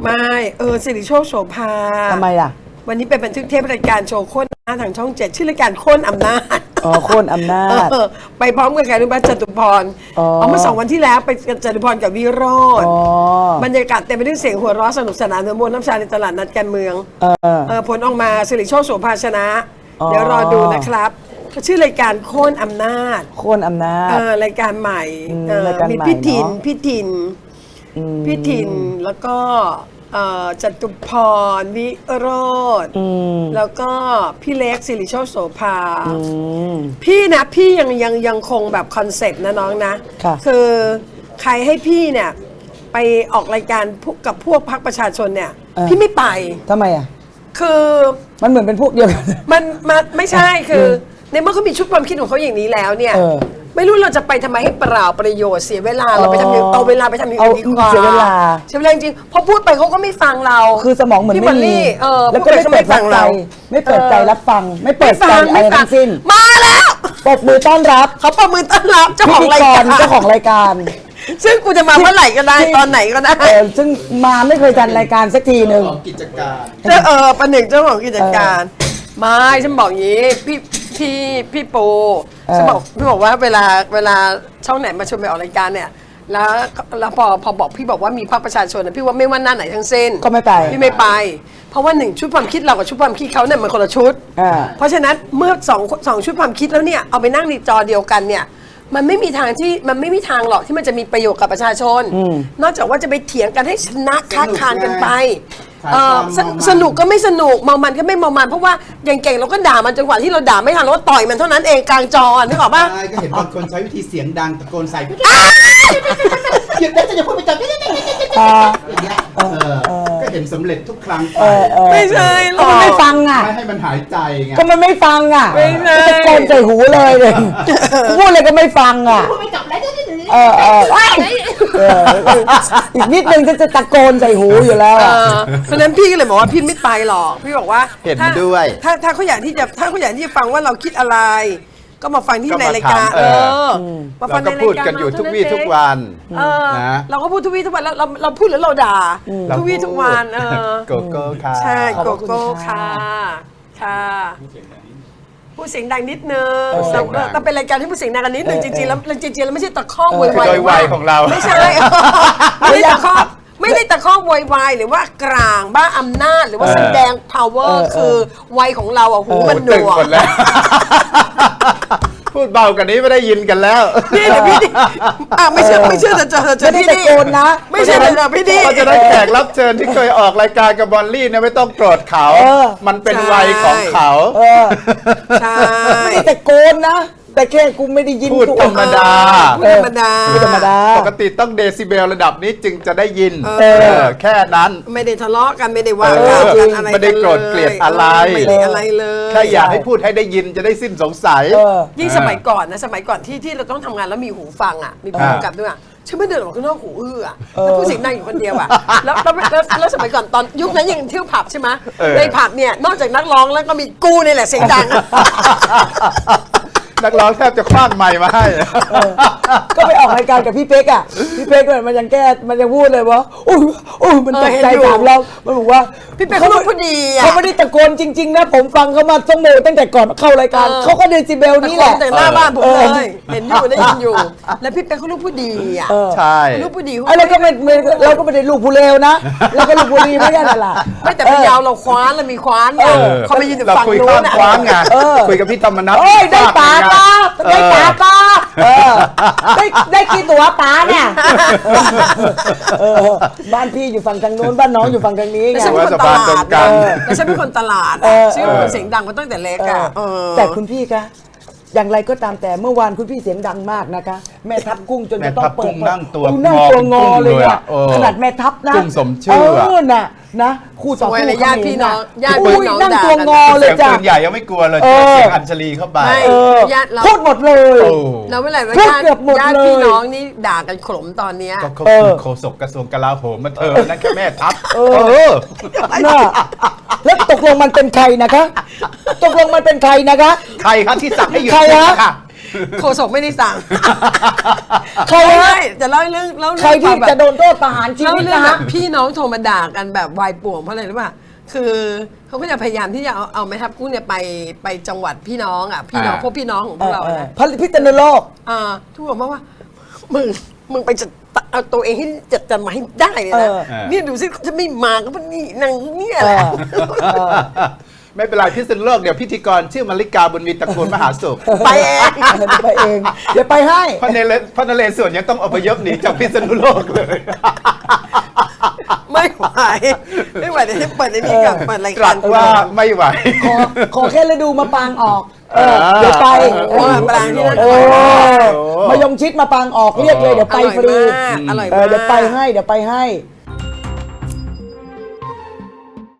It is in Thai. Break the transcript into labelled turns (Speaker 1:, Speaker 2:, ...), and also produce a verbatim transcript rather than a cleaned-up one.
Speaker 1: ไม่เออสิริโชคโสภา
Speaker 2: ทำไมอ่ะ
Speaker 1: วันนี้เป็นบันทึกเทปรายการโชว์โค่นอำนาจทางช่องเจ็ดชื่อรายการโค่นอำนาจ
Speaker 2: อ๋อโค่นอำนาจ
Speaker 1: ไปพร้อมกับการนุบัตจตุพรเอาเมื่อสองวันที่แล้วไปกับจตุพรกับวิโรจน์บรรยากาศเต็มไปด้วยเสียงหัวเราะสนุกสนานมวลน้ำชาในตลาดนัดการเมืองเออผลออกมาสิริโชคโสภาชนะเดี๋ยวรอดูนะครับเขาชื่อรายการโค่นอำนาจ
Speaker 2: โค่นอำนาจ
Speaker 1: เออรายการใหม่มีพี่ทินพี่ทินพี่ทินแล้วก็จตุพรวิโรจน์แล้วก็พี่เล็กสิริโชคโสภาพี่นะพี่ยังยังยังคงแบบคอนเซ็ปต์นะน้องนะคือใครให้พี่เนี่ยไปออกรายการกับพวกพรรคประชาชนเนี่ยพี่ไม่ไป
Speaker 2: ทำไมอ่ะ
Speaker 1: คือ
Speaker 2: มันเหมือนเป็นพวกเดียวกัน
Speaker 1: มันมันไม่ใช่คือในเมื่อเขามีชุดความคิดของเขาอย่างนี้แล้วเนี่ยไม่รู้เราจะไปทำไมให้เปล่าประโยชน์เสียเวลาเราไปทำอย่างเอาเวลาไปทำอย่างอื่นดีกว่า
Speaker 2: เสียเวลา
Speaker 1: เสียเวลาจริงพอพูดไปเขาก็ไม่ฟังเรา
Speaker 2: คือสมองเหมือนไม่มี
Speaker 1: แล้ว
Speaker 2: ก็ไม่เปิดใจไม่เปิดใจรับฟังไม่เปิดใจอะไรทั้งสิ้น
Speaker 1: มาแล้ว
Speaker 2: ปรบมือต้อนรับ
Speaker 1: เขาปรบมือต้อนรับเจ้าของรายการ
Speaker 2: เจ้าของรายการ
Speaker 1: ซึ่งกูจะมาเมื่อไหร่ก็ได้ตอนไหนก็ได้
Speaker 2: ซึ่งมาไม่เคยจัดรายการสักทีหนึ่ง
Speaker 3: กิจการ
Speaker 1: เจ้าเออประหนึ่งเจ้าของกิจการไม่ฉันบอกอย่างนี้พี่พี่พี่ปูฉันบอกพี่บอกว่าเวลาเวลาช่องไหนมาชวนไปออกรายการเนี่ยแล้วแล้วพอพอบอกพี่บอกว่ามีพรรคประชาชนนะพี่ว่าไม่ว่าหน้าไหนทั้งสิ้น
Speaker 2: ก็ไม่ไป
Speaker 1: พี่ไม่ไปเพราะว่าหนึ่งชุดความคิดเรากับชุดความคิดเขาเนี่ยมันคนละชุดเพราะฉะนั้นเมื่อสองสองชุดความคิดแล้วเนี่ยเอาไปนั่งในจอเดียวกันเนี่ยมันไม่มีทางที่มันไม่มีทางหรอกที่มันจะมีประโยชน์กับประชาชนนอกจากว่าจะไปเถียงกันให้ชนะค้าคานกันไปสนุกก็ไม่สนุกเมามันก็ไม่เมามันเพราะว่าอย่างเก่งเราก็ด่ามันจนกว่าที่เราด่าไม่ทันเราก็ต่อยมันเท่านั้นเองกลางจอนึกออกป่ะ
Speaker 3: ใช่ก็เห็นบางคนใช้วิธีเสียงดังตะโกนใส่หยุดได้จะอย่าพูดไปจับอย่างเงี้ยก็เห็นสำเร็จทุกครั้งไป
Speaker 1: ไม่ใช่
Speaker 2: ก็มันไม่ฟังอ่ะ
Speaker 3: ไม่ให้มันหายใจไง
Speaker 2: ก็มันไม่ฟังอ่ะ
Speaker 1: ไม่ใช่
Speaker 2: ตะโกนใส่หูเลยเลยพูดอะไรก็ไม่ฟังอ่ะ
Speaker 3: พูดไปจับแล้ว
Speaker 2: เออเอออีกนิดนึงจะจะตะโกนใส่หูอยู่แล้ว
Speaker 1: เพราะนั้นพี่ก็เลยบอกว่าพี่ไม่ไปหรอกพี่บอกว่า
Speaker 3: เห็นด้วย
Speaker 1: ถ้าถ้าเขาอยากที่จะถ้าเขาอยากที่จะฟังว่าเราคิดอะไรก็มาฟังที่ในรายการเออ
Speaker 3: มาฟังในรายการพูดกันอยู่ทุกวี่ทุกวัน
Speaker 1: นะเราก็พูดทุกวี่ทุกวันแล้วเราเราพูดหรือเราด่าทุกวี่ทุกวันเออ
Speaker 3: โกโก้ค่ะ
Speaker 1: ใช่โกโก้ค่ะค่ะพูดเสียงดังนิดนึงเราเป็นรายการที่พูดเสียงดังกันนิดนึงจริงๆแล้วจริงๆแล้วไม่ใช่ตะคอกโวยวาย
Speaker 3: โดยวัยของเรา
Speaker 1: ไม่ใช่ไม่ได้ตะคอกไม่ได้ตะคอกโวยวายหรือว่ากลางบ้าอำนาจหรือว่าแสดง power คือวัยของเราอ่ะหูมันหนวก
Speaker 3: พูดเบากันนี้ไม่ได้ยินกันแล้ว
Speaker 1: นี่เดี๋ยวพี่ดิอ่ะไม่เชื่อไม่เชื่อจะเจอเจอพี่ดิ
Speaker 2: นะ
Speaker 1: ไม่เชื่อจะเจอพี่ดิ
Speaker 3: เราจะได้แขกรับเชิญที่เคยออกรายการกับบอลลี่เนี่ยไม่ต้องโกรธเขามันเป็นวัยของเขา
Speaker 1: ใช่
Speaker 2: ไม่ได้ตะโกนนะแต่แค่กูไม่ได้ยิน
Speaker 3: พูดธรรมดา
Speaker 1: พูดธรรมดา
Speaker 2: พูดธรรมดา
Speaker 3: ปกติต้องเดซิเบลระดับนี้จึงจะได้ยินแค่นั้น
Speaker 1: ไม่ได้ทะเลาะกันไม่ได้ว่ากันอะไร
Speaker 3: ไม่ได้โกรธเกลียดอะไร
Speaker 1: ไม่ได้อะไรเลย
Speaker 3: แค่อยากให้พูดให้ได้ยินจะได้สิ้นสงสัย
Speaker 1: ยิ่งสมัยก่อนนะสมัยก่อนที่ที่เราต้องทำงานแล้วมีหูฟังอ่ะมีผู้กำกับด้วยอ่ะฉันไม่เดินออกข้างนอกหูอื้ออ่ะแล้วผู้เสียงดังอยู่คนเดียวอ่ะแล้วแล้วสมัยก่อนตอนยุคนั้นยังเที่ยวผับใช่ไหมในผับเนี่ยนอกจากนักร้องแล้วก็มีกูนี่แหละเสียงดัง
Speaker 3: นักร้องแทบจะคว้างไมค์มาให้
Speaker 2: ก็ไปออกรายการกับพี่เป๊กอ่ะพี่เป๊กมันยังแก้มันยังพูดเลยว่าอุ้ยอุ้ยมันตกใจถามเรามันบอกว่า
Speaker 1: พี่เป๊กเขาพูดดีอ่ะ
Speaker 2: เขาไม่ได้ตะโกนจริงๆนะผมฟังเขามาชั่วโมงตั้งแต่ก่อนเข้ารายการเขาก็เดซิเบลนี่แหละ
Speaker 1: แต่หน้าบ้านผมเลยเห็นอยู่ได้ยินอยู่แล้วพี่เป๊กเขาลูกพูดดีอ่ะ
Speaker 3: ใช่
Speaker 1: ลูกพูดดี
Speaker 2: ไอ้เราก็ไม่เราก็ไม่ได้ลูกผู้เลวนะเราก็ลูกผู้ดีไม่ใช่หรอ
Speaker 1: ไม่แต่เป็นยาวเราคว้านเรามีคว้านเขาไปยืนอยู่ฝั่งนู้น
Speaker 3: คว้านไงคุยกับพี่ธรรมนัส
Speaker 2: ได้ปาป้าได้ปาป้าได้ได้กี่ตัวป้าเนี่ยบ้านพี่อยู่ฝั่งทางโน้นบ้านน้องอยู่ฝั่งทางนี้ไง
Speaker 1: ฉันเป็นคนตลาดแล้วฉันเป็นคนตลาดฉันเป็นคนเสียงดังมาตั้งแต่เล็กอ่ะ
Speaker 2: แต่คุณพี่คะอย่างไรก็ตามแต่เมื่อวานคุณพี่เสียงดังมากนะคะแม่ทัพกุ้งจนจะต้องเปิด
Speaker 3: นั่งตัว
Speaker 2: นั่งตัวงอเลยอ่ะขนาดแม่ทัพนะ
Speaker 3: กุ้งสมชื่อ
Speaker 2: น่ะนะคู่ต่อสู้
Speaker 1: ญาติพี่น้องญาติพี่น้อง
Speaker 2: นั่งตัวงอเลยจ้ะ
Speaker 3: เสียงใหญ่ยังไม่กลัวเลยเสียงอัญชลีเข้าไป
Speaker 1: ญาติเรา
Speaker 2: พูดหมดเลย
Speaker 1: เราไม่ไหร่ว่าญาติญาติพี่น้องนี่ด่ากันขมตอนเนี้ย
Speaker 3: ก็เขาคือโฆษกกระทรวงกลาโหมมาเธอนั่นแค่แม่ทัพเออ
Speaker 2: น่ะแล้วตกลงมันเป็นใครนะคะตกลงมันเป็นใครนะคะ
Speaker 3: ใครครับที่สั่งให้หยุด
Speaker 2: ใครฮะ
Speaker 1: โฆษกไม่ได้สั่ง
Speaker 2: ใคร
Speaker 1: ไม่
Speaker 2: ฮะ
Speaker 1: ได้จะเล่าเรื่องเล่า
Speaker 2: ใคร
Speaker 1: เรื่อง
Speaker 2: ที่
Speaker 1: แบบ
Speaker 2: จะโดนโทษประหารชี
Speaker 1: เล่า
Speaker 2: วิต
Speaker 1: เรื่อง
Speaker 2: นะ
Speaker 1: แบ
Speaker 2: ฮะ
Speaker 1: บพี่น้องโทรมาด่ากันแบบวายป่วงเพราะอะไรรู้ป่ะคือเขาก็จะพยายามที่จะเอาเอาแม่ทัพกุ้งเนี่ยไปไปจังหวัดพี่น้องอ่ะพี่น้อง
Speaker 3: อ่า
Speaker 1: พวกพี่น้องของพวกเรานะ
Speaker 2: พันพิษณุโลก
Speaker 1: อ่าทุกคนบอกว่ามึงมึงไปจัดเอาตัวเองให้จัดจันมาให้ได้เลยนะ
Speaker 2: เออ
Speaker 1: เนี่ยดูสิจะไม่มาก็มันนี่นางเนี่ย
Speaker 2: เอ
Speaker 1: แหละ
Speaker 2: อ
Speaker 3: ไม่เป็นไรพิษณุโลกเดี๋ยวพิธีกรชื่อมาริกาบุญมีตระกูลมหาสุข
Speaker 1: ไปเอง
Speaker 2: เดี๋ยวไปเองเดี๋ยวไปให้
Speaker 3: พระนเรพระนเรศวรยังต้องอพยพหนีจากพิษณุโลกเลย
Speaker 1: ไม่ไหวไม่ไหวเดี๋ยวให้เปิดในนี้กับเปิดราย
Speaker 3: ตรั
Speaker 1: การ
Speaker 3: สว่าไม่ไหว
Speaker 2: ขอขอแค่ฤดูมาปางออกเออเดี๋ยวไป
Speaker 1: เออปรางที่นั่น
Speaker 2: เอ
Speaker 1: อร่อยมาก
Speaker 2: อมายงชิดมาปางออกเรียกเลยเดี๋ยวไปฟรี
Speaker 1: อร่อยมากอร่อย
Speaker 2: เอ
Speaker 1: มา
Speaker 2: อก เดี๋ยวไปให้เดี๋ยวไปให้